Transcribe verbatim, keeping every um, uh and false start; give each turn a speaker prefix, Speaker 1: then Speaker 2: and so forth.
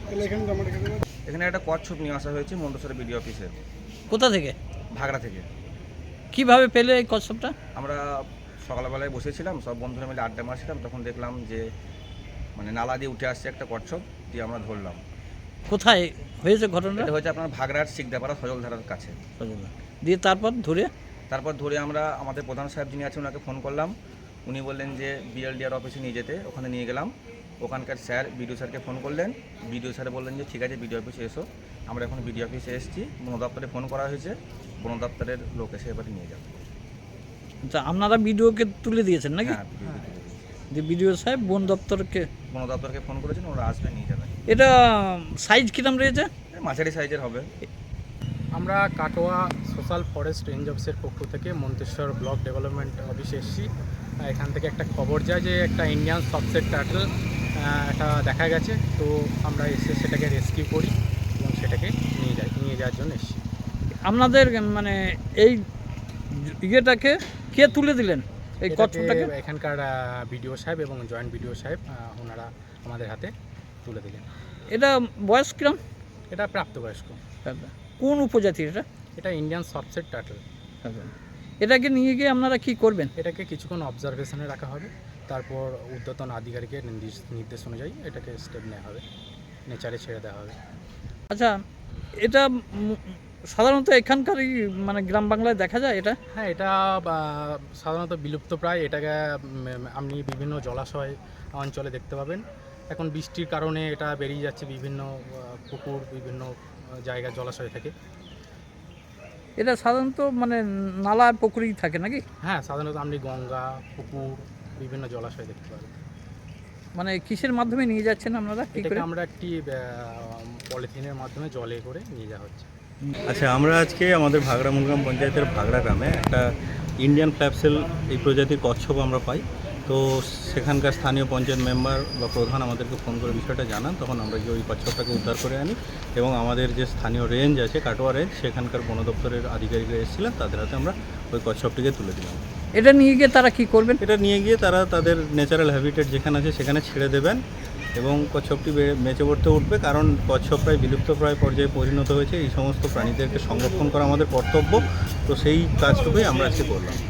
Speaker 1: এখানে একটা কচ্ছপ নিয়ে আসা হয়েছে মন্তেশ্বর বিডিও অফিসে।
Speaker 2: কোথা থেকে?
Speaker 1: ভাগড়া থেকে।
Speaker 2: কিভাবে পেলে এই কচ্ছপটা?
Speaker 1: আমরা সকালবেলায় বসেছিলাম, সব বন্ধুরা মিলে আড্ডা মারছিলাম, তখন দেখলাম যে মানে নালা দিয়ে উঠে আসছে একটা কচ্ছপ, দিয়ে আমরা ধরলাম।
Speaker 2: কোথায় হয়েছে ঘটনাটা?
Speaker 1: এটা হচ্ছে আপনার ভাগড়ার শিকদাপাড়া সজলধারার কাছে।
Speaker 2: দিয়ে তারপর ধরে
Speaker 1: তারপর ধরে আমরা আমাদের প্রধান সাহেব যিনি আছেন ওনাকে ফোন করলাম। উনি বললেন যে বিএলডিআর অফিসে নিয়ে যেতে, ওখানে নিয়ে গেলাম। ওখানকার স্যার বিডিও স্যারকে ফোন করলেন, বিডিও স্যার বললেন যে ঠিক আছে বিডিও অফিসে এসো। আমরা এখন বিডিও অফিসে এসেছি, বন দপ্তরে ফোন করা হয়েছে, বন দপ্তরের লোক এসে এবারে নিয়ে যাবে।
Speaker 2: আচ্ছা, আপনারা বিডিওকে তুলে দিয়েছেন নাকি?
Speaker 1: হ্যাঁ, বিডিও তুলে দিয়েছে।
Speaker 2: যে বিডিও সাহেব বন দপ্তরকে
Speaker 1: বন দপ্তরকে ফোন করেছেন, ওরা আসবে নিয়ে যাবে।
Speaker 2: এটা সাইজ কিরম রয়েছে?
Speaker 1: মাঝারি সাইজের হবে।
Speaker 3: আমরা কাটোয়া সোশ্যাল ফরেস্ট রেঞ্জ অফিসের পক্ষ থেকে মন্তেশ্বর ব্লক ডেভেলপমেন্ট অফিসে এসেছি। এখান থেকে একটা খবর যায় যে একটা ইন্ডিয়ান সবসেট টার্টল এটা দেখা গেছে, তো আমরা এসে সেটাকে রেস্কিউ করি এবং সেটাকে নিয়ে যাই নিয়ে যাওয়ার জন্য এসেছি।
Speaker 2: আপনাদের মানে এই ইয়েটাকে কে তুলে দিলেন এই
Speaker 3: এটাকে
Speaker 2: কচ্ছপটাকে?
Speaker 3: এখানকার বিডিও সাহেব এবং জয়েন্ট বিডিও সাহেব ওনারা আমাদের হাতে তুলে দিলেন।
Speaker 2: এটা বয়স কিরম?
Speaker 3: এটা প্রাপ্তবয়স্ক।
Speaker 2: কোন উপজাতির এটা?
Speaker 3: এটা ইন্ডিয়ান সবসেট টার্টল।
Speaker 2: এটাকে নিয়ে গিয়ে আপনারা কি করবেন?
Speaker 3: এটাকে কিছুক্ষণ অবজারভেশনে রাখা হবে, তারপর ঊর্ধ্বতন আধিকারিকের নির্দেশ নির্দেশ অনুযায়ী এটাকে স্টেপ নেওয়া হবে, নেচারে ছেড়ে দেওয়া হবে।
Speaker 2: আচ্ছা, এটা সাধারণত এখানকারই মানে গ্রাম বাংলায় দেখা যায় এটা?
Speaker 3: হ্যাঁ, এটা সাধারণত বিলুপ্ত প্রায়। এটাকে আপনি বিভিন্ন জলাশয় অঞ্চলে দেখতে পাবেন। এখন বৃষ্টির কারণে এটা বেরিয়ে যাচ্ছে বিভিন্ন পুকুর, বিভিন্ন জায়গা জলাশয় থেকে।
Speaker 2: এটা সাধারণত মানে নালা আর পুকুরেই থাকে নাকি?
Speaker 3: হ্যাঁ, সাধারণত আপনি গঙ্গা, পুকুর, বিভিন্ন জলাশয় দেখতে পাবেন।
Speaker 2: মানে কিসের মাধ্যমে নিয়ে যাচ্ছেন আপনারা? কি করে?
Speaker 3: আমরা একটি পলিথিনের মাধ্যমে জলে করে নিয়ে যাওয়া হচ্ছে।
Speaker 4: আচ্ছা, আমরা আজকে আমাদের ভাগড়া মূলগ্রাম পঞ্চায়েতের ভাগড়া গ্রামে একটা ইন্ডিয়ান ফ্ল্যাপসেল এই প্রজাতির কচ্ছপ আমরা পাই। তো সেখানকার স্থানীয় পঞ্চায়েত মেম্বার বা প্রধান আমাদেরকে ফোন করে বিষয়টা জানান, তখন আমরা গিয়ে ওই কচ্ছপটাকে উদ্ধার করে আনি এবং আমাদের যে স্থানীয় রেঞ্জ আছে কাটোয়া রেঞ্জ, সেখানকার বন দপ্তরের আধিকারিকরা এসেছিলেন, তাদের হাতে আমরা ওই কচ্ছপটিকে তুলে দিলাম।
Speaker 2: এটা নিয়ে গিয়ে তারা কি করবেন?
Speaker 4: এটা নিয়ে গিয়ে তারা তাদের ন্যাচারাল হ্যাবিটেট যেখানে আছে সেখানে ছেড়ে দেবেন এবং কচ্ছপটি বেঁচে পড়তে উঠবে, কারণ কচ্ছপ প্রায় বিলুপ্ত প্রায় পর্যায়ে পরিণত হয়েছে। এই সমস্ত প্রাণীদেরকে সংরক্ষণ করা আমাদের কর্তব্য, তো সেই কাজটুকুই আমরা আজকে করলাম।